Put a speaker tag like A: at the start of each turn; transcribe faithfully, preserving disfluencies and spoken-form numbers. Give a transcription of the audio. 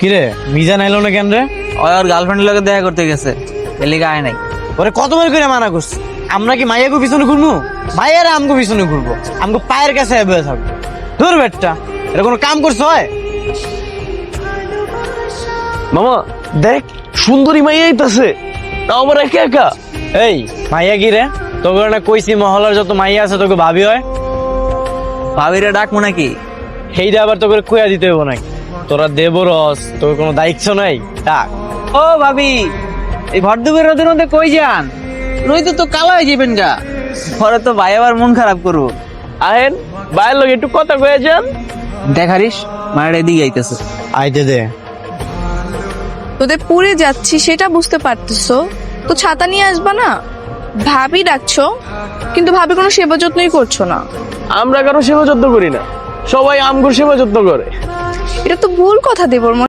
A: কিরে মিজান আইলো না কেন রে?
B: ওই ওর গার্লফ্রেন্ডের লগে দেখা করতে গেছে, এর লিগে আয় নাই।
A: ওরে কতবার করে মানা করছি, আমরা কি মাইয়াকে পিছনে ঘুরবো? মাইয়ারে আমগো পিছনে ঘুরবো, আমগো পায়ের কাছে বসে থাকবো। ধর বেটটা, এটা কোনো কাম করছো হয়?
C: মামা দেখ সুন্দরী মাইয়া আইতাছে, তাও আবার একা একা।
A: এই মাইয়া কি রে? তোকে না কইছি মহলার যত মাইয়া আছে তোকে ভাবি হয়।
B: ভাবিরে ডাকবো নাকি?
A: সেইটা আবার তোকে কুয়া দিতে হবো নাকি? তোরা দেব রস, তোর কোনো দায়িত্ব নাই। ডাক।
B: ও ভাবি, এই ভরদুপুরের রোদের মধ্যে কই যান? রই তো তো কালো হয়ে যাবেন গা, পরে তো ভাই আবার মন খারাপ করবো।
C: আহেন বাইরের লোক একটু কথা কয়ে যান।
B: দেখারিস মায়ের এদিকে আইতেছে।
A: আইতে দে।
D: তোদের পুরে যাচ্ছি সেটা বুঝতে পারতেছো তো ছাতা নিয়ে আসবা না? ভাবি ডাকছো কিন্তু ভাবি কোনো সেবা যত্নই করছো না।
C: আমরা কারো সেবা যত্ন করি না, সবাই আমগুর সেবা যত্ন করে।
D: এটা তো ভুল কথা দেবর